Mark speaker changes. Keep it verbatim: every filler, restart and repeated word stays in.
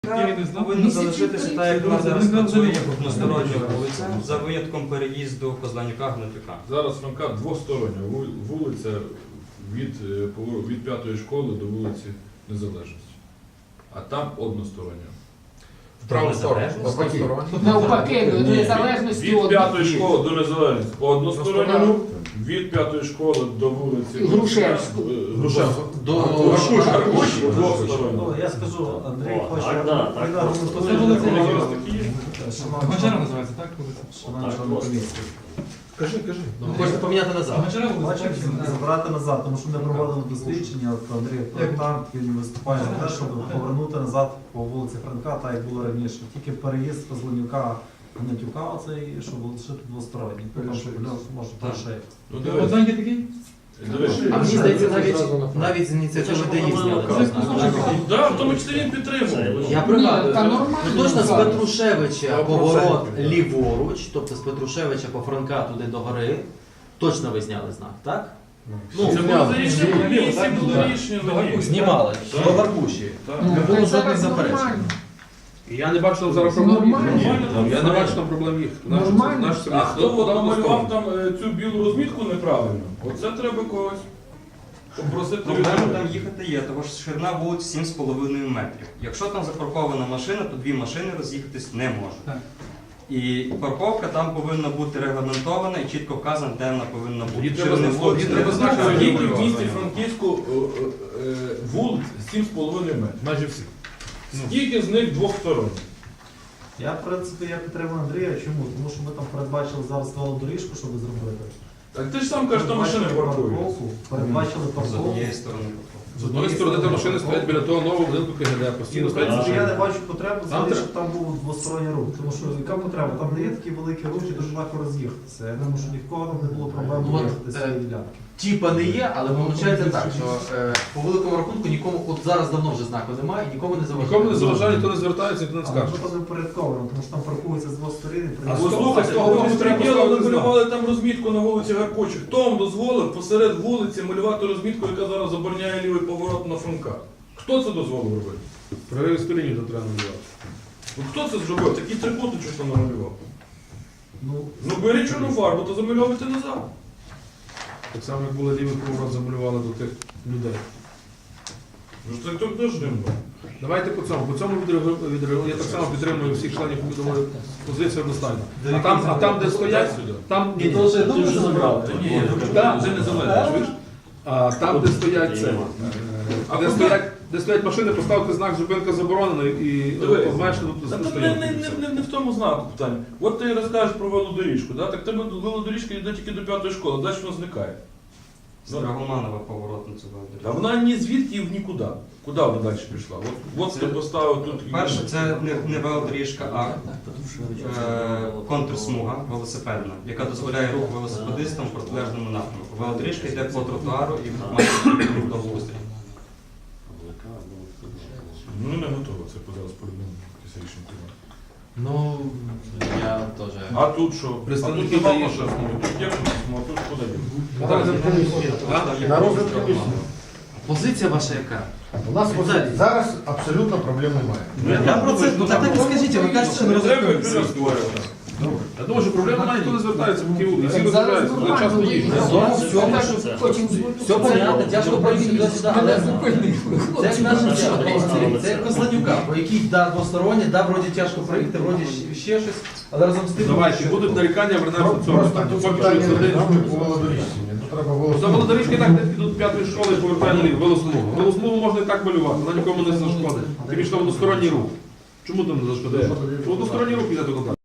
Speaker 1: Повинно залишитися так, як вона зараз працює одностороння вулиця, за винятком переїзду Козланюка-Гнатюка.
Speaker 2: Зараз Франка двостороння вулиця від, від п'ятої школи до вулиці Незалежності. А там одностороння.
Speaker 3: В праву сторону.
Speaker 4: Навпаки, до незалежності
Speaker 2: від п'ятої школи до Незалежності одностороння рух, від п'ятої школи до вулиці
Speaker 4: Грушевську.
Speaker 2: Грушевську.
Speaker 3: До
Speaker 2: Аркуш, двостороння.
Speaker 5: Я скажу, Андрій хоче
Speaker 6: Гончара називається, так?
Speaker 3: Кажи, кажи. Хочете поміняти назад.
Speaker 5: Хоче забрати назад, тому що ми проводили дослідження, от Андрій проєктант, він виступає за те, щоб повернути назад по вулиці Франка, так як було раніше. Тільки переїзд Козланюка Гнатюка, оцей, щоб лишити двосторонній. Тому що може перший.
Speaker 2: Ну, дивись.
Speaker 6: Одненький такий?
Speaker 2: Дивись.
Speaker 3: А мені здається, навіть, навіть з ініціативи ДАІ зняли.
Speaker 2: Так, в тому числі він підтримував.
Speaker 3: Я пригадую,
Speaker 4: Та нормально.
Speaker 3: ну, точно з Петрушевича поворот ліворуч, тобто з Петрушевича по Франка туди до гори, точно ви зняли знак, так?
Speaker 2: Ну, це було за рішення комісії, було рішення.
Speaker 3: Знімали, до Гаркуші. Не було жодних заперечень.
Speaker 7: І я не бачу там зараз проблем їх.
Speaker 4: Нормально.
Speaker 7: Я не бачу там проблем їх.
Speaker 4: Нормально.
Speaker 2: А хто от намалював там е, цю білу розмітку неправильно? Оце треба когось попросити
Speaker 1: Проблема
Speaker 2: людей.
Speaker 1: там їхати є, тому що ширина вулиць сім з половиною метрів. Якщо там запаркована машина, то дві машини роз'їхатись не можуть.
Speaker 6: Так.
Speaker 1: І парковка там повинна бути регламентована і чітко вказана, де вона повинна бути.
Speaker 2: Тоді треба
Speaker 1: Ширини
Speaker 2: знати,
Speaker 1: вулиць
Speaker 2: тоді
Speaker 1: не
Speaker 2: треба знати,
Speaker 1: визначено.
Speaker 2: скільки в місті Франківську е, е, вулиць сім з половиною метрів.
Speaker 7: Майже всі.
Speaker 2: Скільки з них двосторонні?
Speaker 5: Я, в принципі, я підтримую Андрія. Чому? Тому що ми там передбачили зараз велодоріжку, щоб зробити.
Speaker 2: Так ти ж сам кажеш, що машини паркують.
Speaker 5: Парковку, передбачили
Speaker 1: З
Speaker 5: парковку.
Speaker 1: однієї сторони.
Speaker 7: З одної сторони там машини стоять біля того нового будинку КГД, постійно
Speaker 5: В
Speaker 7: стоять
Speaker 5: принципі, я
Speaker 7: машини.
Speaker 5: не бачу потреби
Speaker 7: Там
Speaker 5: взагалі,
Speaker 7: треба.
Speaker 5: щоб там був двосторонній рух. Тому що яка потреба? Там не є такі великі рухи, дуже легко роз'їхатися. Я думаю, що ні в кого там не було проблем
Speaker 3: Ну, от,
Speaker 5: виїхати з цієї
Speaker 3: е,
Speaker 5: ділянки.
Speaker 3: Тіпа не є, але виходить так, що е, по великому рахунку нікому, от зараз давно вже знаку немає і нікому не заважає.
Speaker 7: Нікому не заважає, ніхто не звертається, ніхто не
Speaker 5: Але
Speaker 7: скаже.
Speaker 5: що там не впорядковано, тому що там паркуються з двох сторін. і
Speaker 7: А
Speaker 5: при-
Speaker 7: з
Speaker 2: Послухай,
Speaker 7: з
Speaker 2: з
Speaker 7: того
Speaker 2: того
Speaker 7: боку треба
Speaker 2: безпреділу
Speaker 7: поставити
Speaker 2: намалювали там розмітку на вулиці Гаркочих. Хто вам дозволив посеред вулиці малювати розмітку, яка зараз забороняє лівий поворот на Франка? Хто це дозволив робити?
Speaker 7: Прориві сторінів там треба надавати.
Speaker 2: Ну, хто це зробив? Такий трикутничок там намалював.
Speaker 5: Ну,
Speaker 2: Ну беріть чорну фарбу, то замальовуйте назад.
Speaker 7: Так само, як були лівий поворот, замалювали до тих людей.
Speaker 2: Ну це так теж не було.
Speaker 7: Давайте по цьому. По цьому відреагую. Я так само підтримую всіх членів повідомої позиції одностайно. А там, а там, де стоять, там ні, ні.
Speaker 3: Ти вже забрав.
Speaker 2: Ні,
Speaker 7: Так.
Speaker 2: вже не залежить, чуєш?
Speaker 7: А там, де стоять це,
Speaker 2: А
Speaker 7: де
Speaker 2: куди?
Speaker 7: стоять, де стоять машини, поставте знак зупинка заборонена і
Speaker 2: Дивись.
Speaker 7: обмежте тут
Speaker 2: Та тут не,
Speaker 7: стоянку.
Speaker 2: не, не, не, не в тому знаку питання. От ти розкажеш про велодоріжку, да? Так тебе велодоріжка йде тільки до п'ятої школи, далі вона зникає.
Speaker 1: З Драгоманова поворот на цю
Speaker 2: А
Speaker 1: велодоріжку.
Speaker 2: вона ні звідки і в нікуди. Куди вона далі пішла? От, от
Speaker 1: Це-
Speaker 2: ти поставив тут.
Speaker 1: Перше, це не, не велодоріжка, а е, контрсмуга велосипедна, яка дозволяє рух велосипедистам в протилежному напрямку. Велодоріжка йде по тротуару і має рух до густрі.
Speaker 2: Ну не готово, це зараз по-любому якесь рішення приймати.
Speaker 3: Ну, я теж.
Speaker 2: А тут що?
Speaker 7: Представники
Speaker 2: а тут нема
Speaker 7: дають,
Speaker 2: машин. Тут є контрсмуга, а тут куди є?
Speaker 1: На розгляд
Speaker 3: Позиція ваша яка?
Speaker 8: У нас
Speaker 3: Віталій.
Speaker 8: зараз абсолютно проблем немає.
Speaker 3: Я про це, ну так так і скажіть, ви кажете, що не
Speaker 2: Не треба
Speaker 3: розумієте.
Speaker 2: вперед створювати.
Speaker 7: Я думаю, що проблема немає, ніхто не звертається, поки всі
Speaker 4: Так зараз
Speaker 7: розбираються, вони часто
Speaker 4: нормально.
Speaker 7: їздять.
Speaker 4: Все, хочемо
Speaker 3: Все понятно, тяжко пройти туди-сюди, але це як наш це як Козланюка, по якій да, двостороння, да, вроді тяжко проїхати, вроді ще щось, але разом з тим...
Speaker 7: Давайте, будуть нарікання, вернемося до цього.
Speaker 8: Просто тут
Speaker 7: Поки
Speaker 8: питання
Speaker 7: що
Speaker 8: не
Speaker 7: сидить.
Speaker 8: по велодоріжці. Тут треба
Speaker 7: За
Speaker 8: велосипед.
Speaker 7: велодоріжки так десь підуть п'ятої школи і повертають наліво, велосмугу. Велосмугу можна і так малювати, вона нікому не зашкодить. Тим більше там односторонній рух. Чому там не зашкодить? Односторонній рух йде туди.